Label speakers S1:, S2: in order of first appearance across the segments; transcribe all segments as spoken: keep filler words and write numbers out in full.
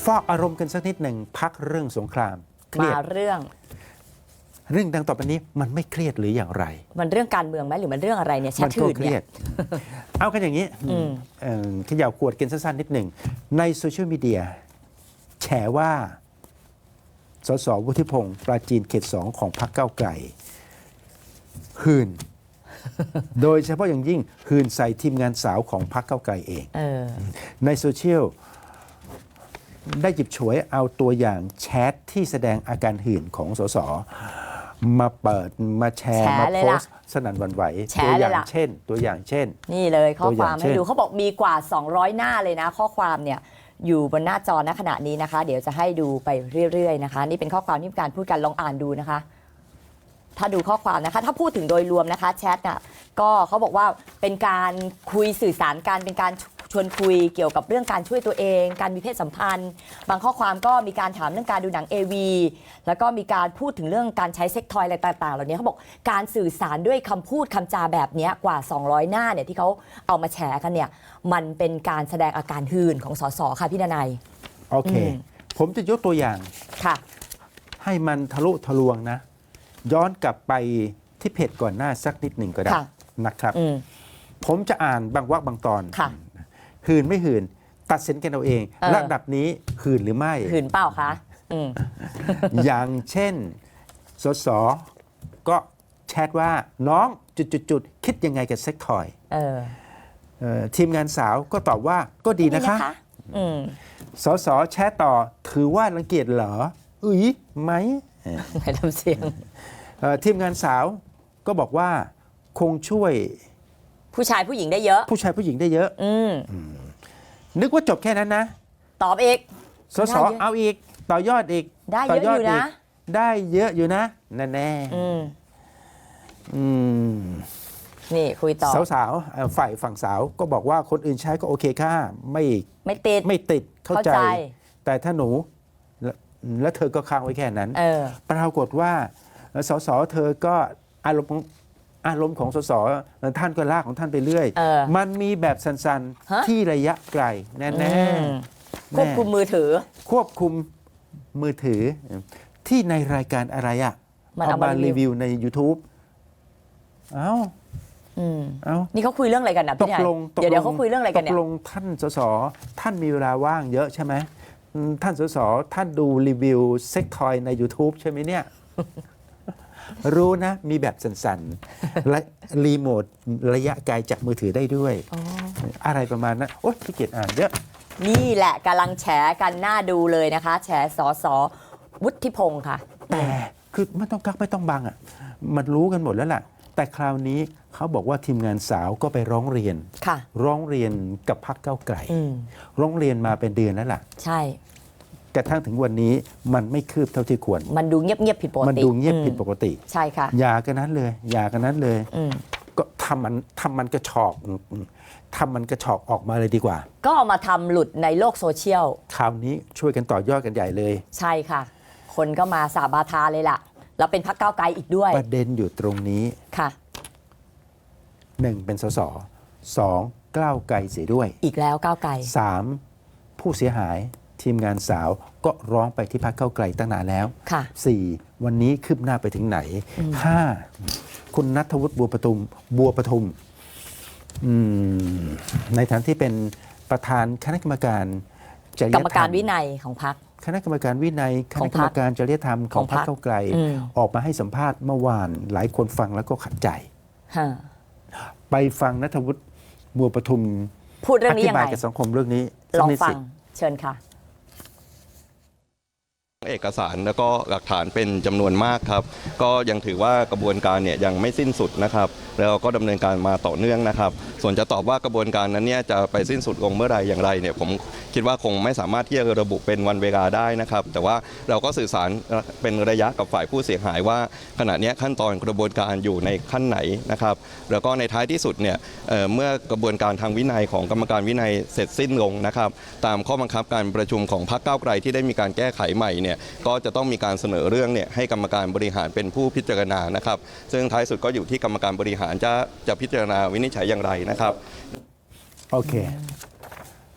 S1: ฟอกอารมณ์กันสักนิดหนึ่งพักเรื่องสงครามเครียด
S2: มาเรื่อง
S1: เรื่องดังต่อไปนี้มันไม่เครียดหรืออย่างไร
S2: มันเรื่องการเมืองไหมหรือมันเรื่องอะไรเนี่ยแชทถื่นเนี่ย
S1: เอากันอย่างนี้ขย่าขวดกันสั้นๆนิดหนึ่งในโซเชียลมีเดียแฉว่าสสวุฒิพงศ์ปราจีนเขตสองของพรรคก้าวไกลหื่น โดยเฉพาะอย่างยิ่งหื่นใส่ทีมงานสาวของพรรคก้าวไกลเองเออในโซเชียลได้หยิบฉวยเอาตัวอย่างแชทที่แสดงอาการหื่นของสสมาเปิดมาแชร์มาโพสต์สนั่นหวั่นไหวตัวอย่างเช่นตัวอย่างเช่น
S2: นี่เลยข้อความให้ดูเขาบอกมีกว่าสองร้อยหน้าเลยนะข้อความเนี่ยอยู่บนหน้าจอณขณะนี้นะคะเดี๋ยวจะให้ดูไปเรื่อยๆนะคะนี่เป็นข้อความที่มีการพูดกันลองอ่านดูนะคะถ้าดูข้อความนะคะถ้าพูดถึงโดยรวมนะคะแชทน่ะก็เขาบอกว่าเป็นการคุยสื่อสารกันเป็นการชวนคุยเกี่ยวกับเรื่องการช่วยตัวเองการมีเพศสัมพันธ์บางข้อความก็มีการถามเรื่องการดูหนัง เอ วี แล้วก็มีการพูดถึงเรื่องการใช้เซ็กทอยอะไรต่างๆเหล่านี้เขาบอกการสื่อสารด้วยคำพูดคำจาแบบนี้กว่าสองร้อยหน้าเนี่ยที่เขาเอามาแชร์กันเนี่ยมันเป็นการแสดงอาการหื่นของสสค่ะพี่ดนัย
S1: โอเคผมจะยกตัวอย่าง
S2: ค่ะ
S1: ให้มันทะลุทะลวงนะย้อนกลับไปที่เพจก่อนหน้าสักนิดหนึ่งก็ได้นะครับผมจะอ่านบางวรรคบางตอนหื่นไม่หื่นตัดสินกันเอาเองระดับนี้หื่นหรือไม่
S2: หื่นเปล่าคะ
S1: อย่างเช่นสสก็แชทว่าน้องจุดๆคิดยังไงกับเซ็กทอยทีมงานสาวก็ตอบว่าก็ดีนะคะสสแชทต่อถือว่ารังเกียจเหรออุ้ยไหม
S2: ไม่ทำเสียง
S1: ทีมงานสาวก็บอกว่าคงช่วย
S2: ผู้ชายผู้หญิงได้เยอะ
S1: ผู้ชายผู้หญิงได้เยอะอืมนึกว่าจบแค่นั้นนะ
S2: ตอบอีก
S1: สสเอาอีกต่อยอดอีก
S2: ได้เยอะอยู่นะ
S1: ได้เยอะอยู่นะแน่แน่
S2: นี่คุยต่อ
S1: สาวๆฝ่ายฝั่งสาวก็บอกว่าคนอื่นใช้ก็โอเคค่ะไม่
S2: ไม่ติด
S1: ไม่ติดเข้าใจแต่ถ้าหนูแล้วเธอก็ค้างไว้แค่นั้นปรากฏว่าสสเธอก็อารมณ์อารมณ์ของสสท่านก็ลากของท่านไปเรื่อยมันมีแบบสันๆที่ระยะไกลแน่ๆ
S2: ควบคุมมือถือ
S1: ควบคุมมือถือที่ในรายการอะไรอ่ะเอามารีวิวใน YouTube เอ้า
S2: เอ้านี่เขาคุยเรื่องอะไรกันนะพี่ชายเดี๋ยวเดี๋ยวเขาคุยเรื่องอะไรกันเนี่ย
S1: ตกลงท่านสสท่านมีเวลาว่างเยอะใช่ไหมท่านสสท่านดูรีวิวเซ็กทอยใน YouTube ใช่ไหมเนี่ยรู้นะมีแบบสั่นๆและรีโมทระยะไกลจากมือถือได้ด้วย อ, อะไรประมาณนั้นโอ๊ยขี้เกียจอ่านเยอะ
S2: นี่แหละกำลังแฉกันหน้าดูเลยนะคะแฉสสวุฒิพงศ์ค่ะ
S1: แต่คือไม่ต้องกักไม่ต้องบังอ่ะมันรู้กันหมดแล้วล่ะแต่คราวนี้เขาบอกว่าทีมงานสาวก็ไปร้องเรียนร้องเรียนกับพรรคก้าวไกลร้องเรียนมาเป็นเดือนแล้วล่ะ
S2: ใช่
S1: กระทั่งถึงวันนี้มันไม่คืบเท่าที่ควร
S2: มันดูเงียบๆผิดปกติ
S1: มันดูเงียบผิดปกติ
S2: ใช่ค่ะ
S1: อย่ากันนั้นเลยอย่ากันนั้นเลยก็ทำมันทำมันกระชอกทำมันกระชอกออกมาเลยดีกว่า
S2: ก็เอามาทำหลุดในโลกโซเชียล
S1: คราวนี้ช่วยกันต่อยอดกันใหญ่เลย
S2: ใช่ค่ะคนก็มาสาบาทาเลยล่ะแล้วเป็นพรรคก้าวไกลอีกด้วย
S1: ประเด็นอยู่ตรงนี้
S2: ค่ะ
S1: หนึ่งเป็นสสสองก้าวไกลเสียด้วย
S2: อีกแล้วก้าวไกล
S1: สามผู้เสียหายทีมงานสาวก็ร้องไปที่พรรคก้าวไกลตั้งนานแล้วสี่วันนี้คืบหน้าไปถึงไหนห้าคุณณัฐวุฒิบัวประทุมบัวประทุมในฐานะที่เป็นประธานคณะกรรมการ
S2: จริยธรรมกรรมการวินัยของพรรค
S1: คณะกรรมการวินัยคณะกรรมการจริยธรรมของพรรคก้าวไกลออกมาให้สัมภาษณ์เมื่อวานหลายคนฟังแล้วก็ขัดใจไปฟังณัฐวุฒิบัวประทุม
S2: พูดเรื่องนี้ยังไง
S1: อธิบายกับสังคมเรื่องนี้
S2: ลองฟังเชิญค่ะ
S3: เอกสารแล้วก็หลักฐานเป็นจำนวนมากครับก็ยังถือว่ากระบวนการเนี่ยยังไม่สิ้นสุดนะครับแล้วก็ดำเนินการมาต่อเนื่องนะครับส่วนจะตอบว่ากระบวนการนั้นเนี่ยจะไปสิ้นสุดลงเมื่อไรอย่างไรเนี่ยผมคิดว่าคงไม่สามารถที่จะระบุเป็นวันเวลาได้นะครับแต่ว่าเราก็สื่อสารเป็นระยะกับฝ่ายผู้เสียหายว่าขณะนี้ขั้นตอนกระบวนการอยู่ในขั้นไหนนะครับแล้วก็ในท้ายที่สุดเนี่ย เ, เมื่อกระบวนการทางวินัยของกรรมการวินัยเสร็จสิ้นลงนะครับตามข้อบังคับการประชุมของพรรคก้าวไกลที่ได้มีการแก้ไขใหม่เนี่ยก็จะต้องมีการเสนอเรื่องเนี่ยให้กรรมการบริหารเป็นผู้พิจารณานะครับซึ่งท้ายสุดก็อยู่ที่กรรมการบริหารจะจะพิจารณาวินิจฉัยอย่างไรนะครับ
S1: โอเค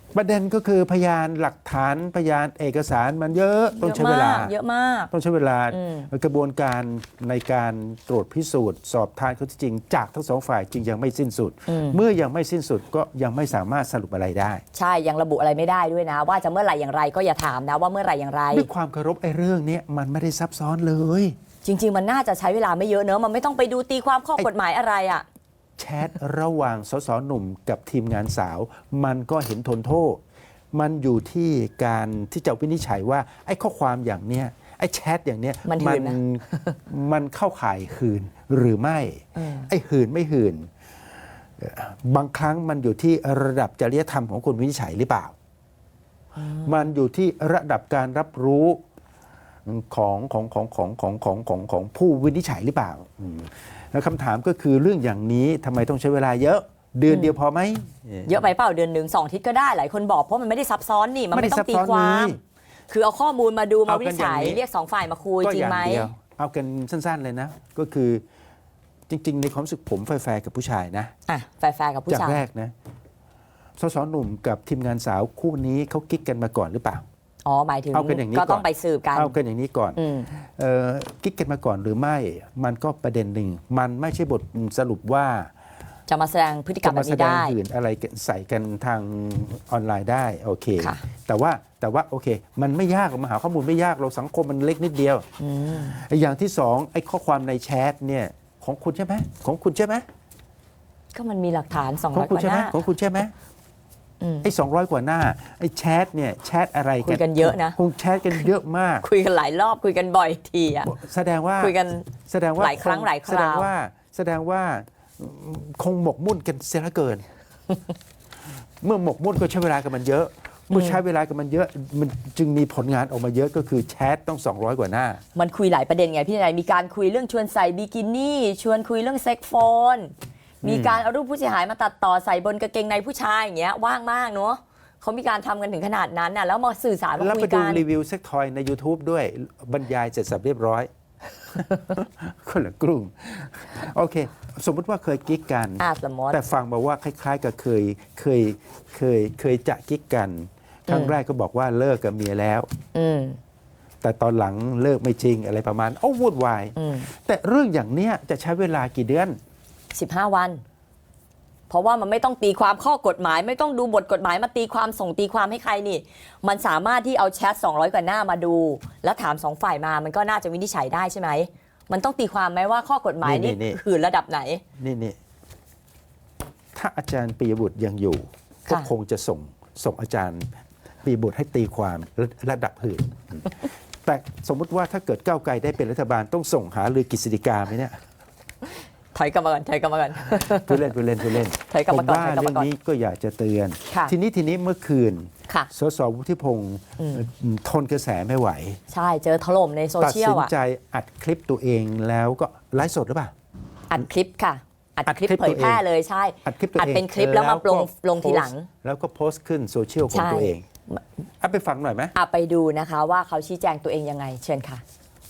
S1: ประเด็นก็คือพยานหลักฐานพยานเอกสารมันเยอะต้องใช้เวลา
S2: เยอะมาก
S1: ต้องใช้เวลา
S2: อืม
S1: กระบวนการในการตรวจพิสูจน์ สอบทานข้อเท็จจริงจากทั้งสองฝ่ายจึงยังไม่สิ้นสุด เมื่อยังไม่สิ้นสุดก็ยังไม่สามารถสรุปอะไรได้
S2: ใช่ยังระบุอะไรไม่ได้ด้วยนะ ว่าจะเมื่อไหร่อย่างไรก็อย่าถามนะว่าเมื่อไหร่อย่างไร
S1: ด้วยความเคารพไอ้เรื่องนี้มันไม่ได้ซับซ้อนเลย
S2: จริง ๆ มันน่าจะใช้เวลาไม่เยอะเนอะมันไม่ต้องไปดูตีความข้อกฎหมายอะไรอ่ะ
S1: แชทระหว่างสสหนุ่มกับทีมงานสาว มันก็เห็นทนโทษ มันอยู่ที่การที่จะวินิจฉัยว่าไอ้ข้อความอย่างเนี้ยไอ้แชทอย่างเนี้ย
S2: มันหื่นนะ
S1: มันเข้าข่ายหื่นหรือไม่
S2: เออ
S1: ไอ้หื่นไม่หื่นเอ่อบางครั้งมันอยู่ที่ระดับจริยธรรมของคนวินิจฉัยหรือเปล่า มันอยู่ที่ระดับการรับรู้ของของของของของของของของผู้วินิจฉัยหรือเปล่าอืมแล้วคำถามก็คือเรื่องอย่างนี้ทำไมต้องใช้เวลาเยอะ เดือนเดียวพอไหม
S2: เยอะไปเปล่าเดือนหนึ่งสองอาทิตย์ก็ได้หลายคนบอกเพราะมันไม่ได้ซับซ้อนนี่มัน
S1: ไม่ได้
S2: ไม่ต้องตี
S1: ซับซ้อน
S2: ความ
S1: เลย
S2: คือเอาข้อมูลมาดูมา
S1: เอา
S2: วิ
S1: กั
S2: นิ
S1: น
S2: จฉัย
S1: อย่างนี้
S2: เรียกสองฝ่ายมาคุย
S1: ก็
S2: จริ
S1: อง ย่า
S2: ไหม
S1: งเดียวเอากันสั้นๆเลยนะ ก็คือจริง ๆ ในความรู้สึกผมแฟร์ๆกับผู้ชายนะ
S2: อ่ะแฟร์ๆกับผู้
S1: จาก
S2: ชาย
S1: แรกนะสสหนุ่มกับทีมงานสาวคู่นี้เขากิ๊กกันมาก่อนหรือเปล่า
S2: อ๋อหมายถึง
S1: เอากันอย่างนี้
S2: ก็
S1: ก่อน
S2: ต้องไปสืบกัน
S1: เอากันอย่างนี้ก่อน
S2: อืม
S1: เอ่อกิ๊กกันมาก่อนหรือไม่ มันก็ประเด็นหนึ่ง มันไม่ใช่บทสรุปว่า
S2: จะมาแสดงพฤติกรร
S1: จะ
S2: มแบ
S1: มา
S2: บ
S1: แส
S2: นี้
S1: ดง
S2: ได้
S1: หื่นอะไรใส่กันทางออนไลน์ได้โอเค
S2: ค่ะ
S1: แต่ว่าแต่ว่าโอเค มันไม่ยากหรอกมาหาข้อมูลไม่ยากเราสังคมมันเล็กนิดเดียว
S2: อืม
S1: ไอ้อย่างที่สองไอ้ข้อความในแชทเนี่ยของคุณใช่ไหมของคุณใช่ไหม
S2: ก็มันมีหลักฐานสอง
S1: ขอ
S2: ร้อง ยก
S1: คุณ
S2: ว่า
S1: ใช่
S2: ห
S1: ไหม
S2: น้า
S1: ของคุณใช่ไหม
S2: อืม
S1: ไอ้สองร้อยกว่าหน้าไอ้แชทเนี่ยแชทอะไร
S2: คุยกันเยอะนะ
S1: คงแชทกันเยอะมาก
S2: คุยกันหลายรอบคุยกันบ่อยทีอ่ะ
S1: แสดงว่า
S2: คุยกัน
S1: แสดงว่า
S2: หลายครั้งหลายคราว
S1: แสดงว่าแสดงว่าคงหมกมุ่นกันเสียเหลือเกิน เมื่อหมกมุ่นก็ใช้เวลากับมันเยอะ เมื่อใช้เวลากับมันเยอะ มันจึงมีผลงานออกมาเยอะก็คือแชทต้องสองร้อยกว่าหน้า
S2: มันคุยหลายประเด็นไงพี่นายมีการคุยเรื่องชวนใส่บิกินี่ชวนคุยเรื่องเซ็กโฟน มีการเอารูปผู้เสียหายมาตัดต่อใส่บนกางเกงในผู้ชายอย่างเงี้ยว่างมากเนาะเขามีการทำกันถึงขนาดนั้นน่ะแล้วมาสื่อสารมา
S1: แล้ว
S2: คุ
S1: ไป
S2: ย
S1: ดู
S2: กัน
S1: รีวิวเซ็กทอยใน YouTube ด้วยบรรยายเสร็จสับเรียบร้อย คนละกลุ่มโอเค สมมุติว่าเคยกิ๊กกัน
S2: อ่าสมมติ
S1: แต่ฟังมาว่าคล้ายๆกับเคยเคยเคยเคยจะกิ๊กกัน ครั้งแรกก็บอกว่าเลิกกับเมียแล้ว
S2: อืม
S1: แต่ตอนหลังเลิกไม่จริงอะไรประมาณโอ้วุ่นวาย
S2: อืม
S1: แต่เรื่องอย่างเนี้ยจะใช้เวลากี่เดือน
S2: สิบห้าวัน เพราะว่ามันไม่ต้องตีความข้อกฎหมาย ไม่ต้องดูบทกฎหมายมาตีความส่งตีความให้ใครนี่ มันสามารถที่เอาแชทสองร้อยกว่าหน้ามาดู แล้วถามสองฝ่ายมามันก็น่าจะวินิจฉัยได้ใช่ไหมมันต้องตีความไหมว่าข้อกฎหมายนี่
S1: นี่
S2: คือระดับไหน
S1: นี่นี่ถ้าอาจารย์ปียบุตรยังอยู่ ก็
S2: ค่ะ
S1: คงจะส่งส่งอาจารย์ปียบุตรให้ตีความระระดับหื่น แต่สมมุติว่าถ้าเกิดก้าวไกลได้เป็นรัฐบาลต้องส่งหาลือกฤษฎีกาไหมเนี่ย
S2: ถอยกลับมาก่อนถอยกลับมาก่อน
S1: ผู้เล่นผู้เล่นผู้เล่น
S2: ถอยกลับ
S1: ผม
S2: มาก่อน
S1: ว่า
S2: ถอยกลับ
S1: เรื่
S2: มา
S1: อง
S2: ก่อน
S1: นี้ก็อยากจะเตือน
S2: ค่ะ
S1: ทีนี้ทีนี้เมื่อคืน
S2: ค่ะ
S1: สสวุฒิพงศ์ทนกระแสไม่ไหว
S2: ใช่เจอถล่มในโซ
S1: ตัด
S2: เชีย
S1: สิ
S2: ล
S1: น
S2: อ่ะ
S1: ใจอัดคลิปตัวเองแล้วก็ไลฟ์สดหรือเปล่า
S2: อัดคลิปค่ะ อัด
S1: อัด
S2: คลิป
S1: คลิป
S2: เผยแพร่
S1: ตัวเอง
S2: เลยใช่
S1: อัดคลิปตัวเอง
S2: เป็นคลิปแล้วมาลง
S1: ก็
S2: ลงทีหลัง
S1: โพสต์แล้วก็โพสต์ขึ้นโซเชียลของ
S2: ใช่
S1: ตัวเองเอาไปฟังหน่อยไหม
S2: อ่ะไปดูนะคะว่าเขาชี้แจงตัวเองยังไง เชิญค่ะ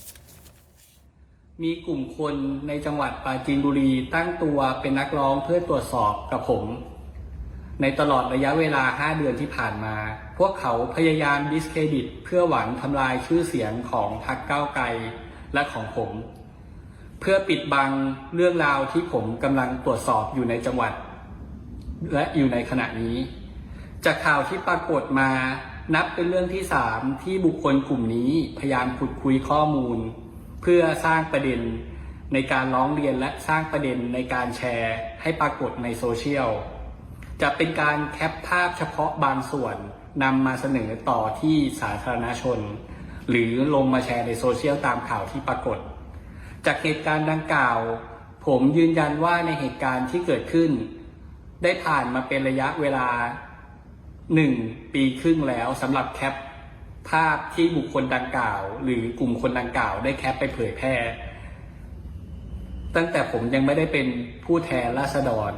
S4: มีกลุ่มคนในจังหวัดปราจีนบุรีตั้งตัวเป็นนักร้องเพื่อตรวจสอบกับผม ในตลอดระยะเวลาห้าเดือนที่ผ่านมา พวกเขาพยายามดิสเครดิตเพื่อหวังทำลายชื่อเสียงของพรรคก้าวไกลและของผม เพื่อปิดบังเรื่องราวที่ผมกำลังตรวจสอบอยู่ในจังหวัด และอยู่ในขณะนี้ จากข่าวที่ปรากฏมานับเป็นเรื่องที่สามที่บุคคลกลุ่มนี้พยายามขุดคุยข้อมูล เพื่อสร้างประเด็นในการร้องเรียนและสร้างประเด็นในการแชร์ให้ปรากฏในโซเชียลจะเป็นการแคปภาพเฉพาะบางส่วนนำมาเสนอต่อที่สาธารณชน หรือลงมาแชร์ในโซเชียลตามข่าวที่ปรากฏ จากเหตุการณ์ดังกล่าว ผมยืนยันว่าในเหตุการณ์ที่เกิดขึ้น ได้ผ่านมาเป็นระยะเวลาหนึ่งปีครึ่งแล้วสำหรับแคปภาพที่บุคคลดังกล่าว หรือกลุ่มคนดังกล่าวได้แคปไปเผยแพร่ตั้งแต่ผมยังไม่ได้เป็นผู้แทนราษฎร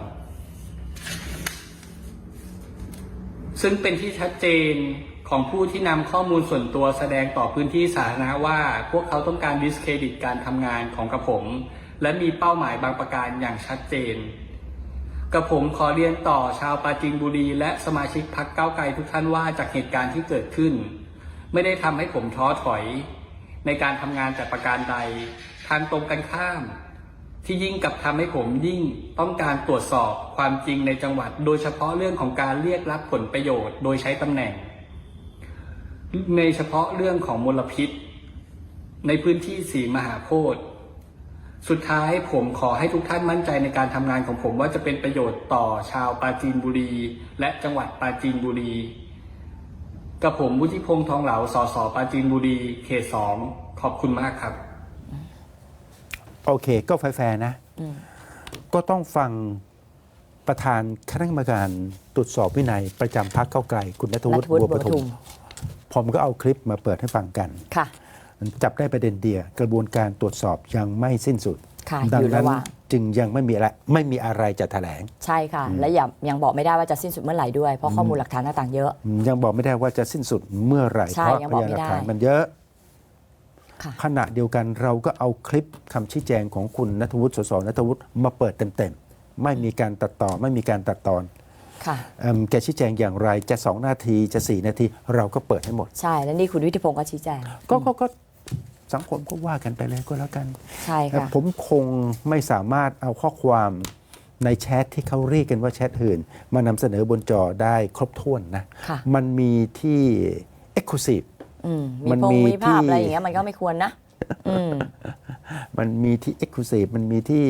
S4: ซึ่งเป็นที่ชัดเจนของผู้ที่นำข้อมูลส่วนตัวแสดงต่อพื้นที่สาธารณะว่า พวกเขาต้องการดิสเครดิตการทำงานของกระผม และมีเป้าหมายบางประการอย่างชัดเจนกับผมขอเรียนต่อชาวปราจีนบุรีและสมาชิกพรรคก้าวไกลทุกท่านว่าจากเหตุการณ์ที่เกิดขึ้น ไม่ได้ทำให้ผมท้อถอยในการทำงานแต่ประการใดทางตรงกันข้าม ที่ยิ่งกลับทำให้ผมยิ่งต้องการตรวจสอบความจริงในจังหวัด โดยเฉพาะเรื่องของการเรียกรับผลประโยชน์โดยใช้ตำแหน่งในเฉพาะเรื่องของมลพิษในพื้นที่สีมหาโพธิ์สุดท้ายผมขอให้ทุกท่านมั่นใจในการทำงานของผมว่าจะเป็นประโยชน์ต่อชาวปราจีนบุรีและจังหวัดปราจีนบุรีกับผมวุฒิพงษ์ทองเหลาสสปราจีนบุรีเขตสองขอบคุณมากครับ
S1: โอเค ก็แฟร์ๆนะ ก็ต้องฟังประธานคณะกรรมการตรวจสอบวินัยประจำพรรคก้าวไกลคุณณัฐวุฒิ
S2: ณัฐวุฒิ
S1: บัวประ
S2: บัวประทุ
S1: ทุม
S2: ม
S1: ผมก็เอาคลิปมาเปิดให้ฟังกัน
S2: ค่ะ
S1: จับได้ประเด็นเดียวกระบวนการตรวจสอบยังไม่สิ้นสุด
S2: ค่ะ
S1: ดั
S2: อยู่
S1: นั้
S2: ระ
S1: น
S2: หว่าง
S1: จึงยังไม่มีอะไรไม่มีอะไรจะแถลง
S2: ใช่ค่ะ และยังยังบอกไม่ได้ว่าจะสิ้นสุดเมื่อไหร่ด้วย เพราะข้อมูลหลักฐานต่างๆเยอะ
S1: ยังบอกไม่ได้ว่าจะสิ้นสุดเมื่อไหร่
S2: ใช่
S1: เพราะ
S2: ยัง
S1: พ
S2: บอก
S1: ยาน
S2: ไม่
S1: หลัก
S2: ได้
S1: ฐานมันเยอะ
S2: ค่ะ
S1: ขณะเดียวกันเราก็เอาคลิปคำชี้แจงของคุณณัฐวุฒิสสณัฐวุฒิมาเปิดเต็มๆไม่มีการตัดต่อไม่มีการตัดตอน
S2: ค่ะ
S1: เอิ่มแกชี้แจงอย่างไรจะสองนาทีจะสี่นาทีเราก็เปิดให้หมด
S2: ใช่ และนี่คุณวิทิพงศ์ก็ชี้แจง
S1: ก็ก็ก็สังคมก็ว่ากันไปเลยก็แล้วกัน
S2: ใช่ค่ะ
S1: ผมคงไม่สามารถเอาข้อความในแชทที่เขาเรียกกันว่าแชทอื่น มานำเสนอบนจอได้ครบถ้วนนะ
S2: ค่ะ
S1: มันมีที่ Exclusive
S2: อืม
S1: มั
S2: มี
S1: น
S2: พง
S1: มี
S2: มีภาพ
S1: ที่
S2: อะไรอย่างเงี้ยมันก็ไม่ควรนะ อืม
S1: มันมีที่ Exclusive มันมีที่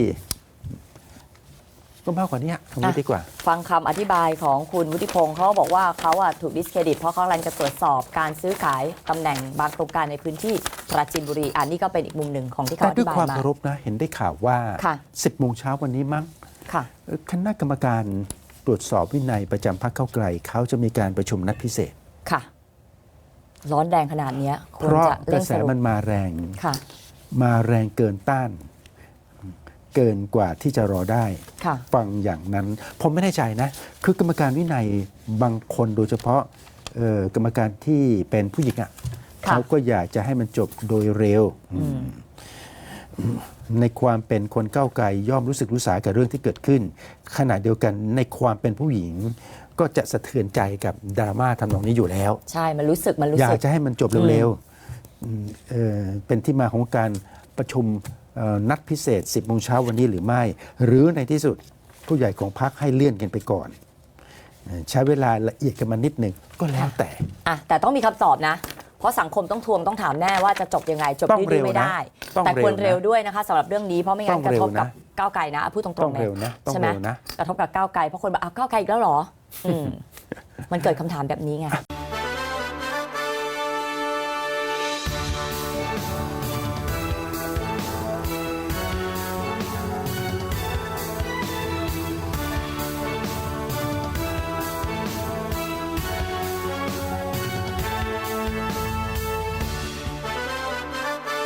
S1: ก็มากกว่านี้ตรงนี้
S2: อ่ะ
S1: ดีกว่า
S2: ฟังคำอธิบายของคุณวุฒิพงศ์เขาบอกว่าเขาอะถูกดิสเครดิตเพราะเขากำลังจะตรวจสอบการซื้อขายตำแหน่งบางโครงการในพื้นที่ปราจีนบุรีอันนี้ก็เป็นอีกมุมหนึ่งของที่เขา
S1: แต่
S2: อ
S1: ด้ว
S2: ธิ
S1: ย
S2: บาย
S1: ความ
S2: มา
S1: เคารพนะ เห็นได้ข่าวว่า
S2: ค่ะ
S1: สิบโมงเช้าวันนี้มั้ง
S2: ค่ะ
S1: เอ่อคณะกรรมการตรวจสอบวินัยประจำพรรคก้าวไกลเขาจะมีการประชุมนัดพิเศษ
S2: ค่ะ ร้อนแรงขนาดเนี้ยค
S1: เพ
S2: วร
S1: ราะ
S2: จะ
S1: ก
S2: เร่
S1: ระ
S2: ง
S1: แส
S2: สรุป
S1: มันมาแรง
S2: ค่ะ
S1: มาแรงเกินต้าน เกินกว่าที่จะรอได้
S2: ค่ะ
S1: ฟังอย่างนั้น ผมไม่แน่ใจนะ คือกรรมการวินัยบางคนโดยเฉพาะเอ่อกรรมการที่เป็นผู้หญิงอ่ะ
S2: ค่ะ
S1: เขาก็อยากจะให้มันจบโดยเร็ว
S2: อืม
S1: ในความเป็นคนก้าวไกลย่อมรู้สึกรู้สากับเรื่องที่เกิดขึ้น ขณะเดียวกันในความเป็นผู้หญิง ก็จะสะเทือนใจกับดราม่าทำนองนี้อยู่แล้ว
S2: ใช่ มันรู้สึกมันรู้
S1: อยา
S2: สึ
S1: ก
S2: ก
S1: จะให้มันจบเร็วๆอืมเอ่อเป็นที่มาของการประชุมเอ่อนัดพิเศษ สิบโมงเช้าวันนี้หรือไม่ หรือในที่สุดผู้ใหญ่ของพรรคให้เลื่อนกันไปก่อนเอ่อใช้เวลาละเอียดกันมานิดหนึ่งก็แล้วแต่
S2: อ่ะแต่ต้องมีคำตอบนะ เพราะสังคมต้องทวงต้องถามแน่ว่าจะจบยังไง จบ
S1: ต้อง
S2: ดื้
S1: เร็
S2: อ
S1: ว
S2: ๆไม่
S1: นะ
S2: ได้
S1: ต้อง
S2: แต่ควร
S1: เร็
S2: เร็
S1: ว
S2: ว
S1: นะ
S2: ด้วยนะคะสำหรับเรื่องนี้เพราะไม่งั้น
S1: ต้อง
S2: กระ
S1: เร็
S2: ท
S1: ว
S2: บกับ
S1: นะ
S2: ก้าวไกลนะพูดตร
S1: ต้อง
S2: งๆเล
S1: เร็
S2: ยว
S1: นะต้อง
S2: ใช่ไหม
S1: เร็วนะ
S2: กระทบกับก้าวไกลเพราะคนบอกอ้าวก้าวไกลอีกแล้วเหรออืมมันเกิดคำถามแบบนี้ไง